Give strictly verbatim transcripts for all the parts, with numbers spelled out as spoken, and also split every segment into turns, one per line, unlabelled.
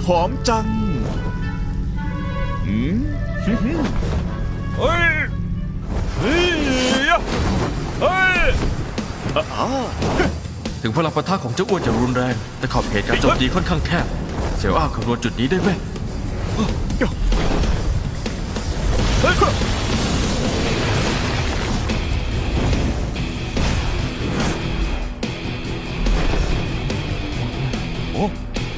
อมจังอืม
เฮ้ยเฮ้ยเฮ้ย
อ่า
ถึงพลังปะทะของเจ้าอ้วนจะรุนแรงแต่ขอบเขตการโจมตีค่อนข้างแคบเสี่ยวอ้าวคำนวณจุดนี้ได้ไหม
โอ้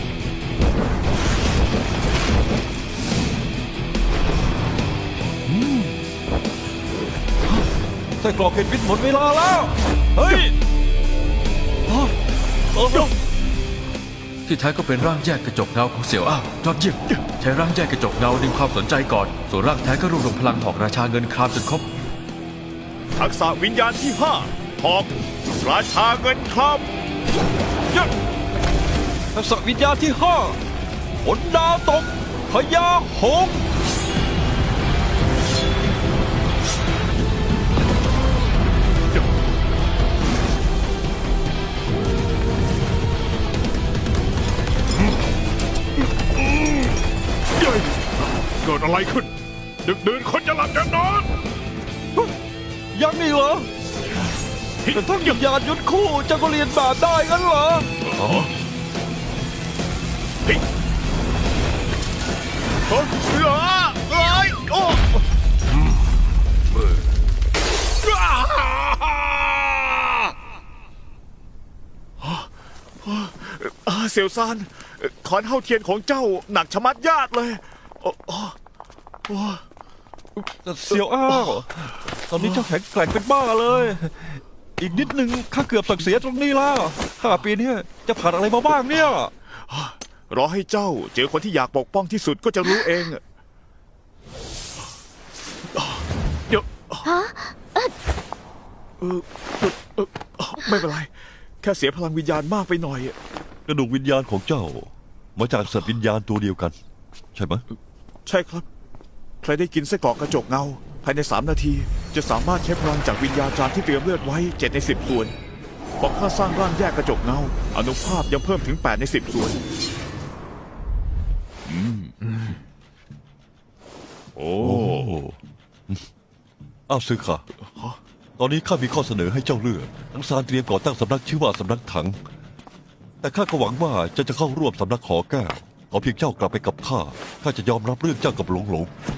ใส่กรอกเห็ดพิษหมดเวลาแล้ว เฮ้ยอ๋อเออ
ที่แท้ก็เป็นร่างแยกกระจกเงาของเสี่ยวอ้าวยอดเยี่ยมใช้ร่างแยกกระจกเงาดึงความสนใจก่อนส่วนร่างแท้ก็รวบรวมพลังหอกราชาเงินครามจนครบ
ทักษะวิญญาณที่ห้าหอกราชาเงินคำ
ยัดทักษะวิญญาณที่ห้าฝนดาวตกพญาหงส์
เย้ยเกิดอะไรขึ้น ดึกดื่นคนจะหลับจะนอน
ยังนี่เหรอเป็นทั้งวิญญาณยุทธคู่เจะก็เรียนแบบได้งั้นเหรอ
เฮ้ยเฮ้ยเอ้ยโอ้อ่าเสี่ยวซานขอนเฮาเทียนของเจ้าหนักชะมัดญาติเลยโอ้โอ้
เสียวอ้าวตอนนี้เจ้าแข็งแกร่งเป็นบ้าเลย อีกนิดนึงข้าเกือบตักเสียตรงนี้แล้วห้าปีเนี้ยจะผ่านอะไรมาบ้างเนี่ย
รอให้เจ้าเจอคนที่อยากปกป้องที่สุดก็จะรู้เองเดี๋ยวเออเออเออไม่เป็นไร แค่เสียพลังวิญญาณมากไปหน่อย
กระดูกวิญญาณของเจ้า มาจากสัตว์วิญญาณตัวเดียวกัน ใช่ไหม
ใช่ครับ ใครได้กินไส้กรอกกระจกเงา ภายในสามนาที จะสามารถใช้พลังจากวิญญาณจารย์ที่เตรียมเลือดไว้เจ็ดในสิบส่วนพอข้าสร้างร่างแยกกระจกเงาอนุภาพยังเพิ่มถึงแปดในสิบส่วน
โอ้อ้าวซื้อค่ะ ตอนนี้ข้ามีข้อเสนอให้เจ้าเลือกทั้งซานเตรียมก่อตั้งสำนักชื่อว่าสำนักถัง แต่ข้าก็หวังว่าเจะจะเข้าร่วมสำนักขอแก้วขอเพียงเจ้ากลับไปกับข้าข้าจะยอมรับเรื่องเจ้ากับหลงหลง